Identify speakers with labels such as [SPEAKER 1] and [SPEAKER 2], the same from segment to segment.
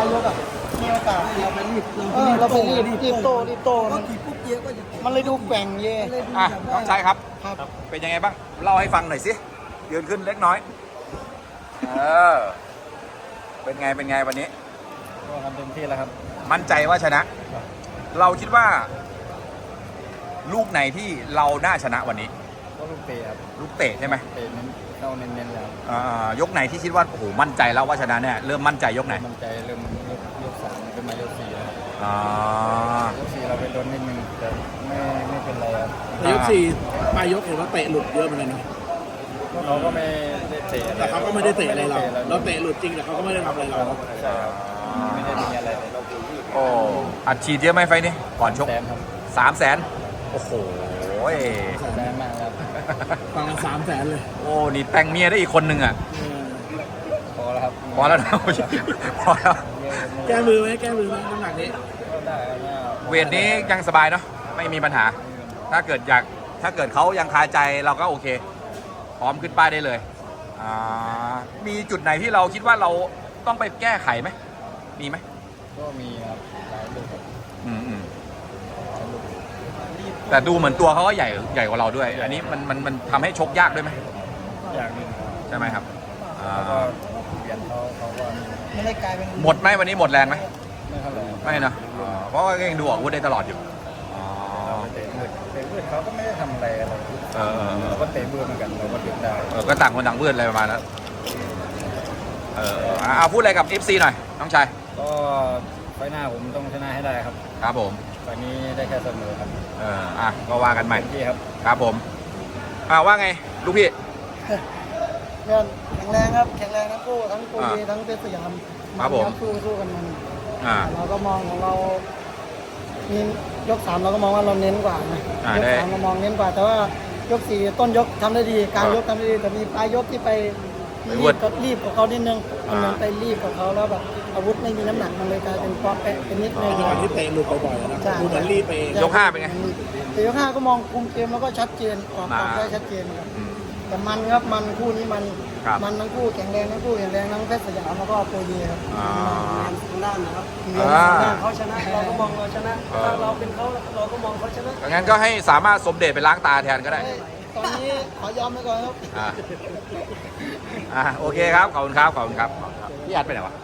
[SPEAKER 1] ยกอ่ะมีโอกาสเราไปรีบเราไปรีบโตมันขี่ปุ๊บเยอะก็มันเลยดูแกว่งเย่
[SPEAKER 2] น้องชายครับ
[SPEAKER 1] ครับ
[SPEAKER 2] เป็นยังไงบ้างเล่าให้ฟังหน่อยสิยืนขึ้นเล็กน้อยเป็นไงวันนี้
[SPEAKER 1] ก็ทำเต็มที่แล้วครับ
[SPEAKER 2] มั่นใจว่าชนะ เราคิดว่า ลูกไหนที่เราน่าชนะวันนี้
[SPEAKER 1] ก็ลูกเตะครับ
[SPEAKER 2] ลูกเตะใช่ไหม
[SPEAKER 1] เตะเน้นเข้าเน้นแล้ว
[SPEAKER 2] ยกไหนที่คิดว่าโอ้โหมั่นใจแล้วว่าชนะเนี่ยเริ่มมั่นใจยกไหน
[SPEAKER 1] มั่นใจเริ่มยก3เป็นมายก4แล้วยก4เราไปโดนนิดนึงแต่ไม่เป็นไรครับ
[SPEAKER 3] ยก4ปลายยกเห็นว่าเตะหลุดเยอะเหมือนกันนะ
[SPEAKER 1] เราก็ไม่ได้เตะ
[SPEAKER 3] แต่เขาก็ไม่ได้เตะอะไรเราเตะหลุดจริงแต่เขาก็ไม่ได้ทำอะไรเรา
[SPEAKER 1] ใช่ครับไม่ได้มีอะไรเราดู
[SPEAKER 2] โอ้อัดฉีดเยอะไหมไฟนี้ก่อนชก300,000โอ้โห
[SPEAKER 1] แรงมากครับ
[SPEAKER 3] ฟังละ300,000เลย
[SPEAKER 2] โอ้นี่แต่งเมียได้อีกคนหนึ่งอ่ะ
[SPEAKER 1] พอแล้วครับ
[SPEAKER 2] พอแล้วนะพอแล้ว
[SPEAKER 3] แก้มือไหมน้ำหนักนี้
[SPEAKER 2] เวทนี้ยังสบายเนาะไม่มีปัญหาถ้าเกิดเขายังคาใจเราก็โอเคพร้อมขึ้นป้ายได้เลยมีจุดไหนที่เราคิดว่าเราต้องไปแก้ไขไหมมีไหม
[SPEAKER 1] ก็มีครับหลายลูก
[SPEAKER 2] แต่ดูเหมือนตัวเขาก็ใหญ่กว่าเราด้วยอันนี้มันทำให้ชกยากด้วยไหม
[SPEAKER 1] อย่างนึง
[SPEAKER 2] ใช่ไหมครับ
[SPEAKER 1] ก็เปลี่ยนเขาก็ไม่ได้กลายเป็น
[SPEAKER 2] หมดไหมวันนี้หมดแรงไหม
[SPEAKER 1] ไม่เท่าไหร่
[SPEAKER 2] ไม่นะเพราะว่ายังดูอาวุธได้ตลอดอยู่
[SPEAKER 1] เตะมืดเขาก็ไม่ได้ทำอะไรเราก็เตะมืดเหมือนกันเราก็ดึงได้
[SPEAKER 2] ก็ต่างคนต่างมืดอะไรประมาณนั้นเอาพูดอะไรกับ FC หน่อยน้องชาย
[SPEAKER 1] ก็ไฟหน้าผมต้องชนะให้ได้ครับ
[SPEAKER 2] ครับผม
[SPEAKER 1] ไฟนี้ได้แค่เสมอครับ
[SPEAKER 2] ก็ว่ากันใหม่
[SPEAKER 1] พี่ครับ
[SPEAKER 2] ครับผมว่าไงลูกพี่
[SPEAKER 1] แข็งแรงครับแข็งแรงทั้งคู่ทั้งโกยีทั้งเพชรสยาม
[SPEAKER 2] ครับผม
[SPEAKER 1] สู้กันมันเราก็มองของเรามียก3เราก็มองว่าเราเน้นกว่านะยก3เรามองเน้นกว่าแต่ว่ายก4ต้นยกทำได้ดีกลางยกทำได้ดีแต่มีปลายยกที่ไปรีบกับเขานิดนึงมันไปรีบกับเขาแล้วแบบอาวุธไม่มีน้ำหนักมันเลยกลายเป็นป๊อปแปะเป็นนิดนึง
[SPEAKER 3] ที่เตะหลุดบ่อยๆนะดูเหมือนรีบไป
[SPEAKER 2] ยก5เป็นไง
[SPEAKER 1] แต่ยก5ก็มองคุมเกมแล้วก็ชัดเจนออกได้ชัดเจนครับแต่มันครับมันคู่นี้มันทั้งคู่แข็งแรงทั้งคู่แข็งแรงทั้งเพชรสยามแล้วก็โปรยีครับทางด้านนะครับเขาชนะเราก็มองเราชนะถ้าเราเป็นเขาเราก็มองเขาชนะ
[SPEAKER 2] งั้นก็ให้สามารถสมเด็จไปล้างตาแทนก็ได้
[SPEAKER 1] ตอนนี้ขอยอมไปก่อนครับ
[SPEAKER 2] โอเคครับขอบคุณครับพี่อัดไปไหนวะ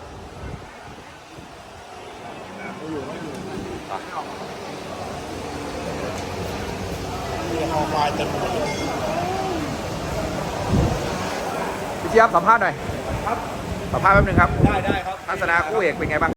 [SPEAKER 2] พี่เจี๊ยบสัมภาษณ์หน่อยครับสัมภาษณ์แป๊บนึงครับ
[SPEAKER 3] ได้ครับ
[SPEAKER 2] ทัศนาคู่เอกเป็นไงบ้าง